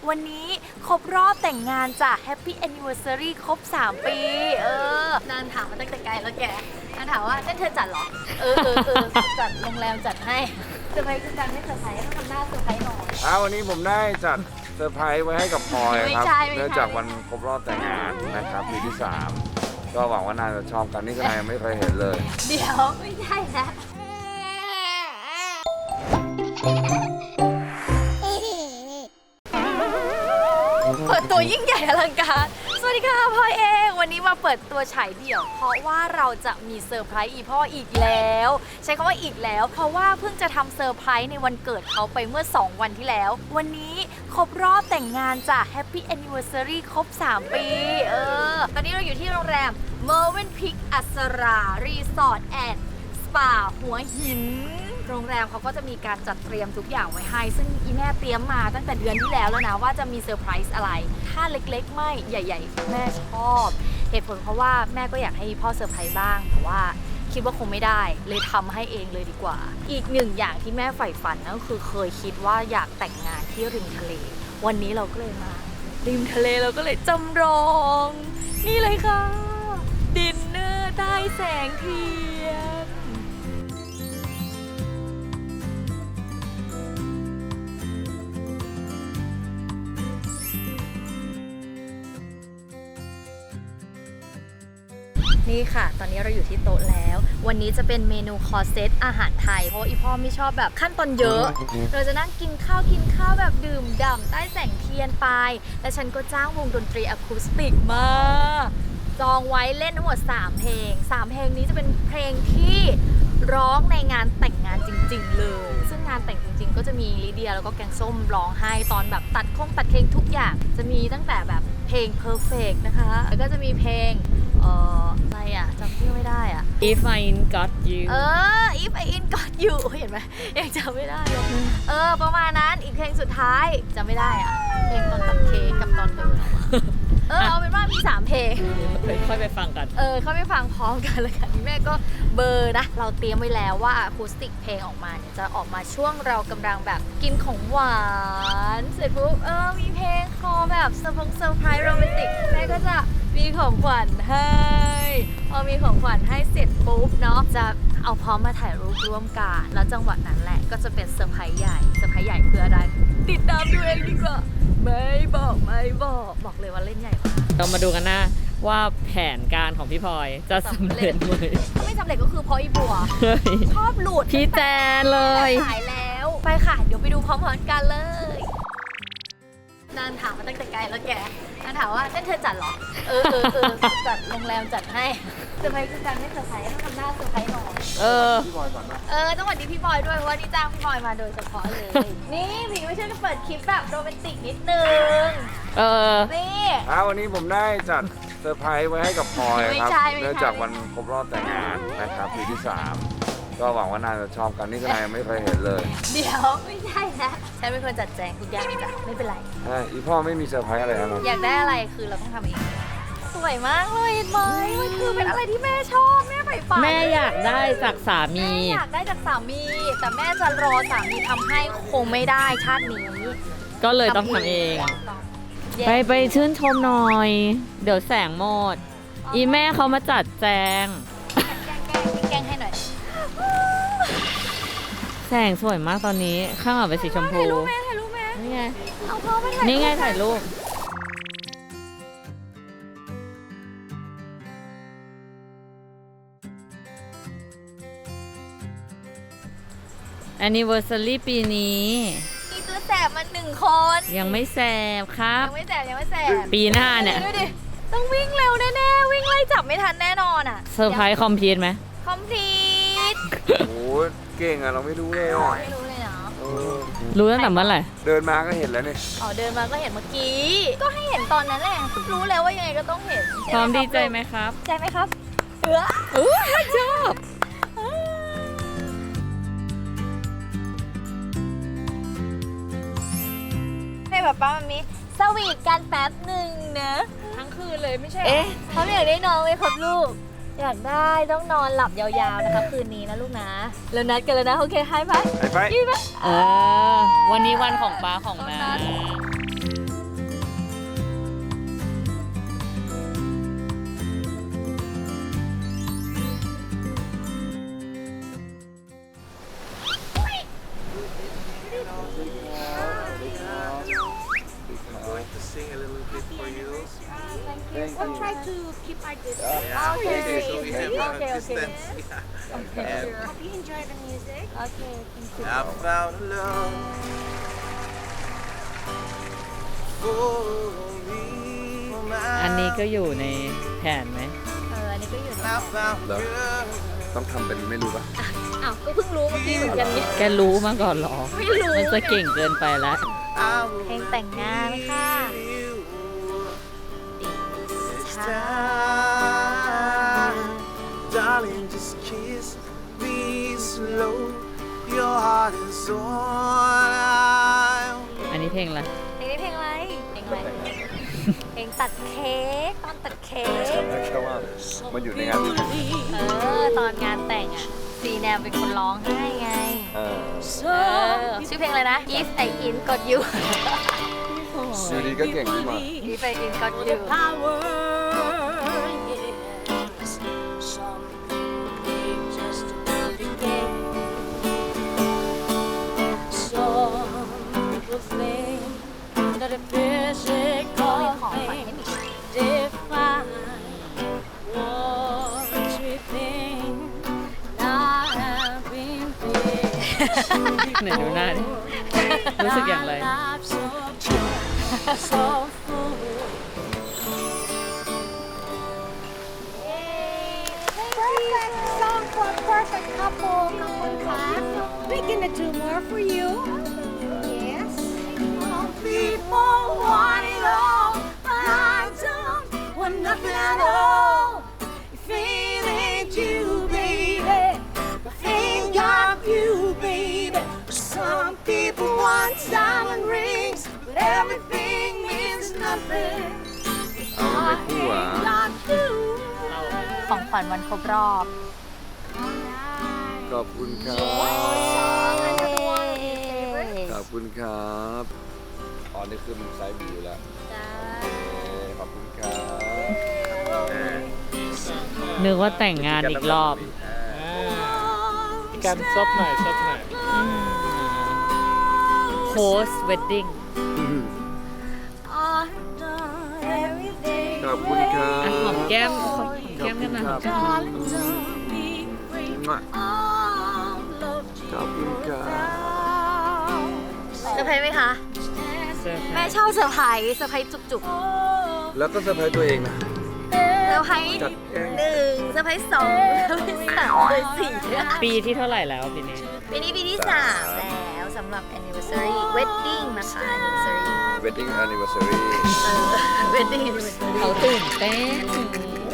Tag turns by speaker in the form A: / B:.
A: วันนี้ครบรอบแต่งงานจ้ะ Happy Anniversary ครบ3 ปีนานถามมาตั้งแต่ไกลแล้วแกนานถามว่านั่นเธอจัดเหรอจัดโรงแรมจัดให้เซอร์ไพรส์คือการไม่เซอร์ไพรส์ต้องทำหน้าเซอร์ไพรส์หน่อย
B: วันนี้ผมได้จัดเซอร์ไพรส์ไว้ให้กับพลอยครับเนื่องจากวันครบรอบแต่งงานนะครับปีที่ 3ก็หวังว่านายจะชอบกันนี่ก็นายยังไม่เคยเห็นเลย
A: เดี๋ยวไม่ใช่นะเปิดตัวยิ่งใหญ่อลังการสวัสดีค่ะพ่อเองวันนี้มาเปิดตัวฉายเดี่ยวเพราะว่าเราจะมีเซอร์ไพรส์อีพ่ออีกแล้วใช้คำว่าอีกแล้วเพราะว่าเพิ่งจะทำเซอร์ไพรส์ในวันเกิดเขาไปเมื่อ2 วันที่แล้ววันนี้ครบรอบแต่งงานจ้ะ Happy Anniversary ครบ3 ปีตอนนี้เราอยู่ที่โรงแรม Mervin Peak อัสรารีสอร์ทแอนด์สปาหัวหินโรงแรมเขาก็จะมีการจัดเตรียมทุกอย่างไว้ให้ซึ่งอีแม่เตรียมมาตั้งแต่เดือนที่แล้วนะว่าจะมีเซอร์ไพรส์อะไรถ้าเล็กๆไม่ใหญ่ๆแม่ชอบเหตุผลเพราะว่าแม่ก็อยากให้พ่อเซอร์ไพรส์บ้างแต่ว่าคิดว่าคงไม่ได้เลยทำให้เองเลยดีกว่าอีกหนึ่งอย่างที่แม่ใฝ่ฝันนั่นก็คือเคยคิดว่าอยากแต่งงานที่ริมทะเลวันนี้เราก็เลยมาริมทะเลเราก็เลยจำลองนี่เลยค่ะดินเนอร์ใต้แสงเทียนนี่ค่ะตอนนี้เราอยู่ที่โต๊ะแล้ววันนี้จะเป็นเมนูคอร์สเซตอาหารไทยเพราะว่าอีพ่อไม่ชอบแบบขั้นตอนเยอะเราจะนั่งกินข้าวแบบดื่มด่ำใต้แสงเทียนไปและฉันก็จ้างวงดนตรีอะคูสติกมาจองไว้เล่นทั้งหมด3 เพลง3 เพลงนี้จะเป็นเพลงที่ร้องในงานแต่งงานจริงๆเลยซึ่งงานแต่งจริงๆก็จะมีลิเดียแล้วก็แกงส้มร้องให้ตอนแบบตัดเพลงทุกอย่างจะมีตั้งแต่แบบเพลง Perfect นะคะแล้วก็จะมีเพลงอะไรอ่ะจำชื่อไม่ได้อ่ะ
C: If I Got You
A: If I Ain't Got You เห็นไหมยังจำไม่ได้เลยประมาณนั้นอีกเพลงสุดท้ายจำไม่ได้อ่ะเพลงตอนตัดเค้กกับตอนเดินออกมาเอาเป็นว่ามี3 เพลง
C: ค่อยไปฟังกัน
A: ค่อยไปฟังพร้อมกันเลยค่ะนี่แม่ก็เบอร์นะเราเตรียมไว้แล้วว่าอะคูสติกเพลงออกมาเนี่ยจะออกมาช่วงเรากำลังแบบกินของหวานเสร็จปุ๊บมีเพลงคอแบบเซอร์ไพรส์โรแมนติกแม่ก็จะมีของขวัญให้พอมีของขวัญให้เสร็จปุ๊บเนาะจะเอาพร้อมมาถ่ายรูปร่วมกันแล้วจังหวะนั้นแหละก็จะเป็นเซอร์ไพรส์ใหญ่คืออะไรติดตามดูเองดีกว่าไม่บอกเลยว่าเล่นใหญ่มาก
C: เรามาดูกันนะว่าแผนการของพี่พลอยจะสำเร็จไหม
A: ถ้าไม่สำเร็จก็คือเพราะอีบัวชอบหลุด
C: พี่แจนเลย
A: สายแล้วไปค่ะเดี๋ยวไปดูพร้อมๆกันเลยนานถามมาตั้งแต่ไกลแล้วแกนานถามว่านั่นเธอจัดเหรอจัดโรงแรมจัดให้เซอร์ไพรส์คือการไม่เซอร์ไพรส์ต้องทำหน้าเซอร์ไพรส์หน่อย
B: พี่บอยก่อนนะ
A: ต้องสวัสดีพี่บอยด้วยเพราะว่านี่จ้างพี่บอยมาโดยเฉพาะเลยนี่พี่ไม่ใช่จะเปิดคลิปแบบโรแมนติกนิดนึงนี่
B: วันนี้ผมได้จัดเซอร์ไพรส์ไว้ให้กับพลอยครับเนื่องจากวันครบรอบแต่งงานนะครับปีที่ 3ก็หวังว่านายจะชอบกันนี่ก็นายยังไม่เคยเห็นเลย
A: เดี๋ยวไม่ใช่นะฉันเป็นคนจัดแจงทุกอย่างจ้ะไม่เป็นไร
B: อีพ่อไม่มีเซอร์ไพรส์อะไรนะ
A: อยากได้อะไรคือเราต้องทำเองสวยมากเลยเห็นไหมมันคือเป็นอะไรที่แม่ชอบแม่ใฝ่ฝัน
C: แม่อยากได้จากสามี
A: อยากได้จากสามีแต่แม่จะรอสามีทำให้คงไม่ได้ชาตินี้
C: ก็เลยต้องทำเองไปชื่นชมหน่อยเดี๋ยวแสงหมดอีแม่เขามาจัดแจง
A: แกล้งให้หน่อย
C: แสงสวยมากตอนนี้ข้างหลังเป็นสีชมพู
A: ถ่ายรูปไหม
C: นี่ไง
A: เอาพ่อมาถ่าย
C: นี่ไงถ่ายรูปAnniversary ปีนี้
A: มีตัวแสบมา1 คน
C: ยังไม่แสบครับ
A: ยังไม่แสบ
C: ปีหน้าเนี่ย
A: ดูดิต้องวิ่งเร็วแน่ๆวิ่งไล่จับไม่ทันแน่นอนอ่ะ
C: เซอร์ไพรส์คอมพลีทไหม
A: คอมพลีท
B: โอ้เก่งอ่ะเราไม่รู้เลย
A: ไม่รู้เลยเนาะ
C: รู้ตั้งแต่เมื่อไหร่
B: เดินมาก็เห็นแล้วนี่
A: เดินมาก็เห็นเมื่อกี้ก็ให้เห็นตอนนั้นแหละรู้แล้วว่ายังไงก็ต้องเห็น
C: พร้อมดีใจไหมครับ
A: ใจไหมครับ
C: ชอบ
A: ให้ป๊าป๊ามันมีสวีทกันแป๊บหนึ่งนะ
C: ทั้งคืนเลยไม่ใช่
A: เขาอยากได้นอนไหมครับลูกอยากได้ต้องนอนหลับยาวๆนะคะคืนนี้นะลูกนะแล้วนัดกันแล้วนะโอเคให้ไป
B: ไป
A: ยี่ไหม
C: วันนี้วันของป้าของแม่
D: Or try to keep our distance.
A: Okay.
D: Okay.
A: So we have Okay, okay.
D: Distance. Hope you enjoy the music.
A: Okay, thank you.
E: I found love for me.
C: อันนี้ก็อยู่ในแผนไหม
A: อันนี้ก็อยู่ใน
E: I found
B: แล้ว
E: girl.
B: ต้องทำเป็นไม่รู้ปะ
A: อ้าวก็เพิ่งรู้เมื่อกี้เหมือนกันนี่
C: แกรู้มาก่อนเหรอ
A: ไม่รู้
C: มันจะเก่งเกินไปแล้ว
E: I
A: เพล
E: will
A: งแต่งงานค่ะ
E: you
A: ใช่
E: time. Darling, just kiss me slow. Your heart is on.
C: อันนี้เพลงอะไร
A: เพลงนี้เพลงอะไร เพลงอะไร เพลงตัดเค้กตอนตัดเค้ก
B: แค่ว่ามันอยู่ในงานนี้
A: ตอนงานแต่งอ่ะซีแนมเป็นคนร้องให้ไง
B: เออ
A: ชื่อเพลงอะไรนะ If I In Got You
B: อยู่ดีก็เก่งขึ้นมา
A: If I In Got You
D: Power, yes. Some think just to do it again. Some people think that a physical thing define what we think. Not having been
C: ไหนดูหน้าดิ รู้สึกอย่างไร
D: so full. Perfect song for a perfect couple. We're gonna do more for you. Yes. People want it all, but I don't want nothing at all. Feeling you, baby. Ain't got you, baby. Some people want diamond rings, but everything means nothing.
B: เอาไม่คู่อ่ะ
D: Got you.
A: ของขวัญวันครบรอบ
B: ขอบคุณครับ ขอบคุณครับอ๋อนี่คือมันไซส์บิวแล้วขอบคุณครับ
C: นึกว่าแต่งงานอีกรอบ
F: มีการซบหน่อยซบหน่อย
C: post wedding
D: I've done everything.
B: ขอบคุณครั
C: อ่ะ
B: บ
C: หอมแก้มหอมแก้มกันหน่อยหอมแก้มหน่อย
D: Darling, don't be afraid.
B: มั่ว
D: I'll love you
B: ขอบคุณครับ
A: เซอร์ไพรส์ไหมคะ แม่ชอบเซอร์ไพรส์จุก
B: แล้วก็เซอร์ไพรส์ตัวเองนะ
A: ๆเซอร์ไพรส์
B: จัดแกง
A: 1เซอร์ไพรส์2เซอร์ไพรส์3เซอร์ไพรส์4
C: ปีที่เท่าไหร่แล้วปีนี้
A: ปีนี้ปีที่ 3 แล้วสำหรับ anniversary wedding นะคะ anniversary
B: wedding anniversary
A: wedding anniversary
C: เขาตื่นเต้น